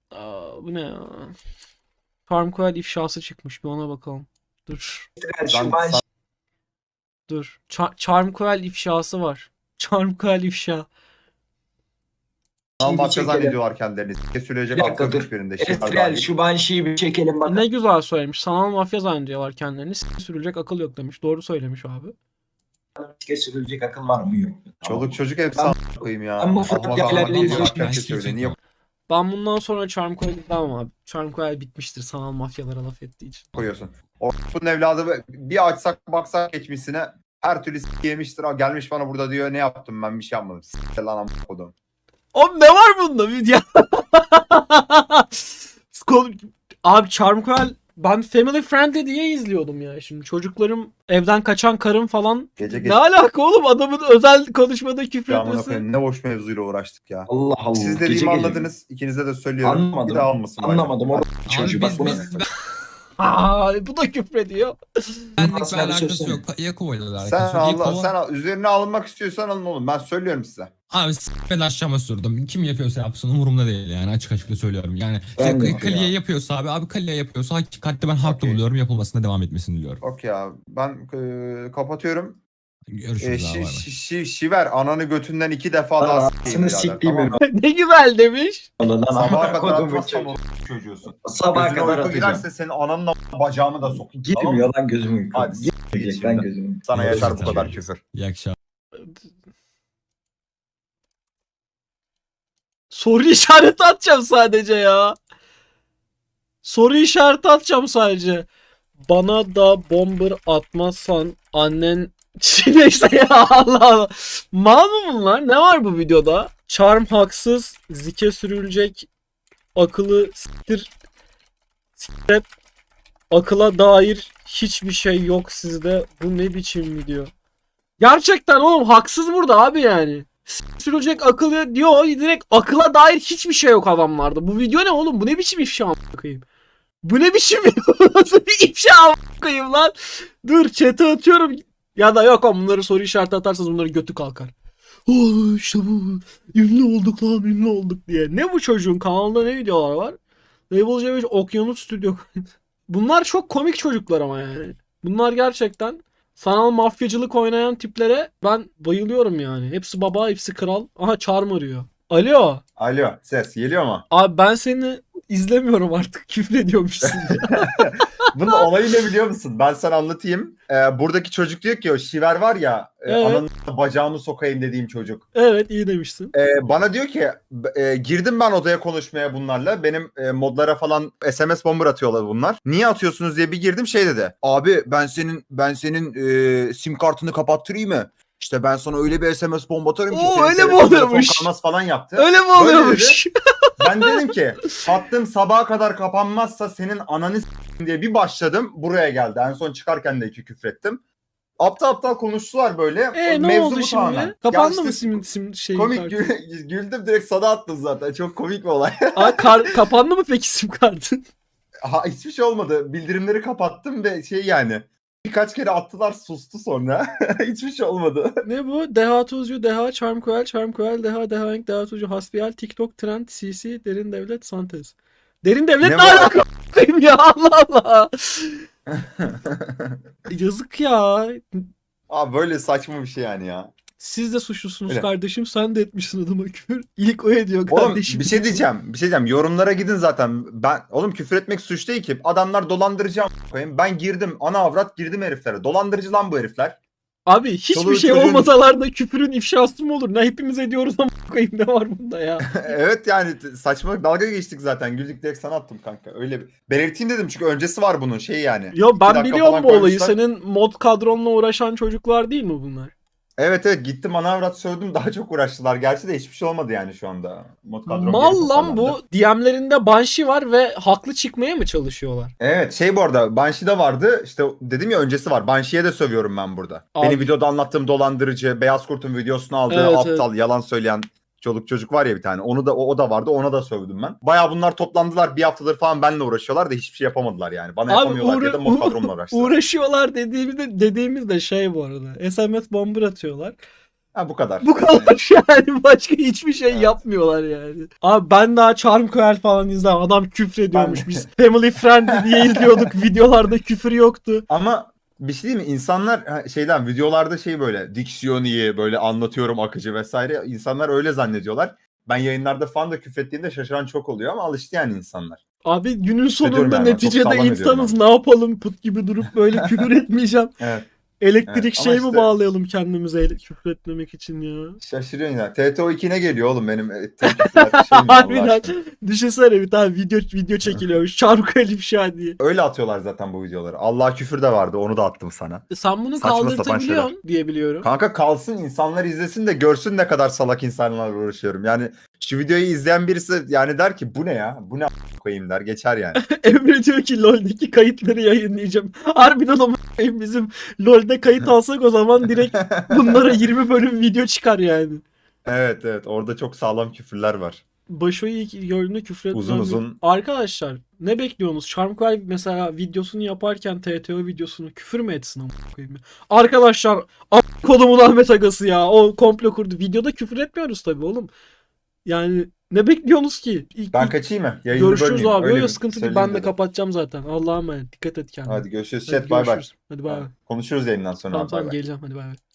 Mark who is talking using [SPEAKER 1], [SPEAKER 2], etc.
[SPEAKER 1] Bu ne ya? Farmcoil ifşası çıkmış. Bir ona bakalım. Dur.
[SPEAKER 2] Şu ben
[SPEAKER 1] Dur. Charmcoil ifşası var. Charmcoil ifşa.
[SPEAKER 2] şeyi bir
[SPEAKER 3] Mafya
[SPEAKER 2] çekelim.
[SPEAKER 3] zannediyorlar kendilerini. Söyleyecek
[SPEAKER 2] Bir dakika
[SPEAKER 3] aklı
[SPEAKER 2] dur.
[SPEAKER 3] hiçbirinde.
[SPEAKER 2] Esrel şu Banshee'yi bir çekelim bakalım.
[SPEAKER 1] Ne güzel söylemiş. Sanal mafya zannediyorlar kendilerini. Sürülecek akıl yok demiş. Doğru söylemiş abi.
[SPEAKER 2] Sürülecek akıl var mı yok mu? Tamam.
[SPEAKER 3] Çoluk çocuk hepsi koyayım ya.
[SPEAKER 2] Ben bu fıratlarla ilgili
[SPEAKER 3] söyle. Niye
[SPEAKER 1] Ben bundan sonra Charmcoil demem abi. Charmcoil bitmiştir sanal mafyalara laf ettiği için.
[SPEAKER 3] koyuyorsun? Bunun evladı bir açsak baksak geçmişine her türlü yemiştir. Gelmiş bana burada diyor ne yaptım ben bir şey yapmadım. S**t lan amına kodum.
[SPEAKER 1] Oğlum ne var bunda? Ya. Abi Charmcoil ben Family Friendly diye izliyordum ya. Şimdi çocuklarım evden kaçan karım falan.
[SPEAKER 3] Gece
[SPEAKER 1] Ne alaka oğlum adamın özel konuşmada küfür
[SPEAKER 3] amına
[SPEAKER 1] etmesi.
[SPEAKER 3] koyayım ne boş mevzuyla uğraştık ya.
[SPEAKER 2] Allah Allah.
[SPEAKER 3] Siz
[SPEAKER 2] Gece
[SPEAKER 3] dediğimi
[SPEAKER 2] gece.
[SPEAKER 3] anladınız. İkinize de söylüyorum.
[SPEAKER 2] Anlamadım.
[SPEAKER 3] Bir daha almasın.
[SPEAKER 2] Anlamadım oğlum. Çocuğu bak
[SPEAKER 4] Biz,
[SPEAKER 2] bunu.
[SPEAKER 1] Bu da küfrediyor.
[SPEAKER 4] benlik bir
[SPEAKER 2] Aslında bir
[SPEAKER 4] alakası
[SPEAKER 2] söylesene.
[SPEAKER 4] yok. Yakova ile alakası
[SPEAKER 3] Sen
[SPEAKER 4] yok.
[SPEAKER 3] Allah,
[SPEAKER 4] Yakova,
[SPEAKER 3] sen üzerine alınmak istiyorsan alın oğlum. Ben söylüyorum size.
[SPEAKER 4] abi ben aşağıma sürdüm. Kim yapıyorsa yapsın umurumda değil yani açık açık da söylüyorum. Yani
[SPEAKER 2] Ben de
[SPEAKER 4] Kaliye
[SPEAKER 3] ya.
[SPEAKER 4] yapıyorsa abi Kaliye yapıyorsa hakikaten ben haklı
[SPEAKER 3] Okey.
[SPEAKER 4] buluyorum. Yapılmasına devam etmesini diliyorum.
[SPEAKER 3] Okey abi. Ben kapatıyorum.
[SPEAKER 4] Görüşürüz abi. Bay bay.
[SPEAKER 3] Şiver ananı götünden 2 defa daha s**eyim
[SPEAKER 2] Anasını
[SPEAKER 3] birader,
[SPEAKER 2] siktiğim
[SPEAKER 3] tamam mı?
[SPEAKER 1] Ne güzel demiş.
[SPEAKER 2] Lan
[SPEAKER 3] Sabaha kadar
[SPEAKER 2] kodumun
[SPEAKER 3] atmazsam
[SPEAKER 2] çocuğu.
[SPEAKER 3] o çocuğusun.
[SPEAKER 2] Sabaha
[SPEAKER 3] Gözüne
[SPEAKER 2] kadar
[SPEAKER 3] uyku
[SPEAKER 2] atacağım.
[SPEAKER 3] girerse senin ananla bacağımı da sokayım. Tamam mı?
[SPEAKER 2] Girmiyor lan gözümün uyku.
[SPEAKER 3] Hadi s**t git
[SPEAKER 2] Girecek lan
[SPEAKER 3] şimdi.
[SPEAKER 2] gözümün.
[SPEAKER 3] Sana
[SPEAKER 4] Evet,
[SPEAKER 3] yeter bu
[SPEAKER 4] tabii.
[SPEAKER 3] kadar küfür.
[SPEAKER 4] İyi akşamlar.
[SPEAKER 1] Soru işareti atacağım sadece ya. Soru işareti atacağım sadece. Bana da bomber atmazsan annen neyse ya Allah Allah. Mal mı bunlar? Ne var bu videoda? Charm haksız, zike sürülecek, akıllı siktir, akıla dair hiçbir şey yok sizde. Bu ne biçim video? Gerçekten oğlum haksız burada abi yani. Sürülecek akıllı diyor direkt akıla dair hiçbir şey yok adamlarda. Bu video ne oğlum? Bu ne biçim ifşa a**ayım? Bu ne biçim nasıl bir ifşa a**ayım lan? Dur chat'e atıyorum. Ya da yok oğlum bunları soru işareti atarsanız bunların götü kalkar. Oo işte bu. Ünlü olduk lan ünlü olduk diye. Ne bu çocuğun kanalında ne videolar var? Label C5 Okyanus Stüdyo. Bunlar çok komik çocuklar ama yani. Bunlar gerçekten sanal mafyacılık oynayan tiplere ben bayılıyorum yani. Hepsi baba, hepsi kral. Aha Charm arıyor. Alo.
[SPEAKER 3] Alo ses geliyor mu?
[SPEAKER 1] Abi ben seni izlemiyorum artık. Küfrediyormuşsun.
[SPEAKER 3] Bunun olayı ne biliyor musun? Ben sana anlatayım. Buradaki çocuk diyor ki o Şiver var ya
[SPEAKER 1] Evet.
[SPEAKER 3] ananın bacağımı sokayım dediğim çocuk.
[SPEAKER 1] Evet iyi demişsin.
[SPEAKER 3] Bana diyor ki girdim ben odaya konuşmaya bunlarla. Benim modlara falan SMS bomber atıyorlar bunlar. Niye atıyorsunuz diye bir girdim şey dedi. Abi ben senin sim kartını kapattırayım mı? İşte ben sana öyle bir SMS bomba atarım ki
[SPEAKER 1] Oo,
[SPEAKER 3] senin
[SPEAKER 1] öyle mi
[SPEAKER 3] telefon
[SPEAKER 1] oluyormuş?
[SPEAKER 3] kalmaz falan yaptı.
[SPEAKER 1] Öyle mi
[SPEAKER 3] Böyle
[SPEAKER 1] oluyormuş?
[SPEAKER 3] Ben dedim ki hattım sabaha kadar kapanmazsa senin ananı s**eyim diye bir başladım. Buraya geldi. En son çıkarken de 2 küfrettim. Aptal aptal konuştular böyle.
[SPEAKER 1] Ne
[SPEAKER 3] Mevzu
[SPEAKER 1] oldu
[SPEAKER 3] bu
[SPEAKER 1] şimdi?
[SPEAKER 3] tamamen.
[SPEAKER 1] Kapandı
[SPEAKER 3] Ya
[SPEAKER 1] mı
[SPEAKER 3] işte
[SPEAKER 1] sim şey
[SPEAKER 3] komik
[SPEAKER 1] kartı?
[SPEAKER 3] güldüm direkt sana attım zaten. Çok komik bir olay.
[SPEAKER 1] Kapandı mı peki sim kartın?
[SPEAKER 3] Hiçbir şey olmadı. Bildirimleri kapattım ve şey yani birkaç kere attılar sustu sonra. Hiçbir şey olmadı.
[SPEAKER 1] Ne bu? Deha Tuzcu, Deha, Charmcoil, Charmcoil, Deha, Deha, Deha Tuzcu, Hasbihal, TikTok, Trend, CC, Derin Devlet, Santez. Derin Devlet
[SPEAKER 3] Ne
[SPEAKER 1] ne
[SPEAKER 3] bu?
[SPEAKER 1] alaka a**ayım ya Allah Allah. Yazık ya.
[SPEAKER 3] Abi böyle saçma bir şey yani ya.
[SPEAKER 1] Siz de suçlusunuz
[SPEAKER 3] Öyle.
[SPEAKER 1] kardeşim. Sen de etmişsin adama küfür. İlk o ediyor
[SPEAKER 3] Oğlum
[SPEAKER 1] kardeşim.
[SPEAKER 3] bir şey diyeceğim. Yorumlara gidin zaten. Oğlum küfür etmek suç değil ki. Adamlar dolandırıcı koyayım. Ben girdim ana avrat girdim heriflere. Dolandırıcı lan bu herifler.
[SPEAKER 1] Abi hiçbir
[SPEAKER 3] Çoluğun
[SPEAKER 1] şey
[SPEAKER 3] çocuğun-
[SPEAKER 1] olmasalar da küfürün ifşası mı olur? Ne hepimiz ediyoruz ama koyayım ne var bunda ya?
[SPEAKER 3] Evet yani saçma dalga geçtik zaten. Güldük direkt sana attım kanka. Öyle belirteyim dedim çünkü öncesi var bunun şey yani.
[SPEAKER 1] Yo
[SPEAKER 3] 2
[SPEAKER 1] ben
[SPEAKER 3] dakika
[SPEAKER 1] biliyorum
[SPEAKER 3] falan
[SPEAKER 1] bu olayı.
[SPEAKER 3] koymuşlar.
[SPEAKER 1] Senin mod kadronla uğraşan çocuklar değil mi bunlar?
[SPEAKER 3] Evet gittim ana avrat sövdüm daha çok uğraştılar. Gerçi de hiçbir şey olmadı yani şu anda. Mod kadrom geri
[SPEAKER 1] Mal lan
[SPEAKER 3] toparlandı.
[SPEAKER 1] bu. DM'lerinde Banshee var ve haklı çıkmaya mı çalışıyorlar?
[SPEAKER 3] Evet şey bu arada Banshee'de vardı işte dedim ya öncesi var. Banshee'ye de sövüyorum ben burada.
[SPEAKER 1] Abi-
[SPEAKER 3] Benim videoda anlattığım dolandırıcı, Beyaz Kurt'un videosunu aldığı
[SPEAKER 1] Evet,
[SPEAKER 3] aptal, yalan söyleyen çocuk var ya bir tane. Onu da o da vardı. Ona da sövdüm ben. Baya bunlar toplandılar. Bir haftadır falan benimle uğraşıyorlar da hiçbir şey yapamadılar yani. Bana
[SPEAKER 1] Abi
[SPEAKER 3] yapamıyorlar diye de mod kadromla uğraştılar.
[SPEAKER 1] uğraşıyorlar dediğimiz de şey bu arada. SMS bomber atıyorlar.
[SPEAKER 3] Ha bu kadar.
[SPEAKER 1] Bu kadar yani, başka hiçbir şey
[SPEAKER 3] Evet.
[SPEAKER 1] yapmıyorlar yani. Abi ben daha Charm Coel falan izledim. Adam küfür ediyormuş.
[SPEAKER 3] Ben-
[SPEAKER 1] Biz Family Friendly diye izliyorduk. Videolarda küfür yoktu.
[SPEAKER 3] Ama bir şey değil mi? İnsanlar şeyden videolarda şey böyle diksiyon iyi böyle anlatıyorum akıcı vesaire. İnsanlar öyle zannediyorlar. Ben yayınlarda falan da küfrettiğimde şaşıran çok oluyor ama alıştı yani insanlar.
[SPEAKER 1] Abi günün
[SPEAKER 3] Hissediyorum
[SPEAKER 1] sonunda
[SPEAKER 3] yani ben, çok
[SPEAKER 1] neticede
[SPEAKER 3] sağlam ediyorum
[SPEAKER 1] insanız.
[SPEAKER 3] abi.
[SPEAKER 1] Ne yapalım, put gibi durup böyle küfür etmeyeceğim.
[SPEAKER 3] Evet.
[SPEAKER 1] Elektrik
[SPEAKER 3] Evet, ama
[SPEAKER 1] şey mi
[SPEAKER 3] işte-
[SPEAKER 1] bağlayalım kendimize küfür etmemek için ya?
[SPEAKER 3] Şaşırıyorsun ya. TTO 2 ne geliyor oğlum benim tek küfürler şey mi Allah
[SPEAKER 1] Harbiden.
[SPEAKER 3] aşkına?
[SPEAKER 1] Düşünsene bir tane video çekiliyormuş. Çarmık Ali ifşa diye.
[SPEAKER 3] Öyle atıyorlar zaten bu videoları. Allah küfür de vardı onu da attım sana.
[SPEAKER 1] Sen bunu
[SPEAKER 3] Saçma sapan
[SPEAKER 1] kaldırtabiliyorsun diye biliyorum.
[SPEAKER 3] Kanka kalsın insanlar izlesin de görsün ne kadar salak insanlarla uğraşıyorum. Yani şu videoyu izleyen birisi yani der ki bu ne ya? Bu ne koyayım der geçer yani.
[SPEAKER 1] Emre diyor ki LoL'deki kayıtları yayınlayacağım. Harbiden ama bizim LoL'de kayıt alsak o zaman direkt bunlara 20 bölüm video çıkar yani.
[SPEAKER 3] Evet evet orada çok sağlam küfürler var.
[SPEAKER 1] Başo'yu ilk gördüğünde küfür etmem.
[SPEAKER 3] Uzun uzun.
[SPEAKER 1] Arkadaşlar ne bekliyorsunuz? Charmqual mesela videosunu yaparken TTO videosunu küfür mü etsin amına koyayım ya? Arkadaşlar kodumun Ahmet Agası ya. O komplo kurdu. Videoda küfür etmiyoruz tabii oğlum. Yani ne bekliyorsunuz ki?
[SPEAKER 3] Ben kaçayım mı? Yayını
[SPEAKER 1] Görüşürüz
[SPEAKER 3] bölmeyeyim.
[SPEAKER 1] abi.
[SPEAKER 3] Öyle
[SPEAKER 1] Yok
[SPEAKER 3] bir
[SPEAKER 1] sıkıntı değil.
[SPEAKER 3] söyleyeyim
[SPEAKER 1] Ben de
[SPEAKER 3] dedim.
[SPEAKER 1] kapatacağım zaten. Allah'a emanet. Dikkat et kendine.
[SPEAKER 3] Hadi görüşürüz.
[SPEAKER 1] Hadi
[SPEAKER 3] Chat bay bay.
[SPEAKER 1] görüşürüz. Hadi bay bay.
[SPEAKER 3] Konuşuruz yayından sonra.
[SPEAKER 1] Tamam
[SPEAKER 3] Bay
[SPEAKER 1] tamam
[SPEAKER 3] bay.
[SPEAKER 1] geleceğim. Hadi bay bay.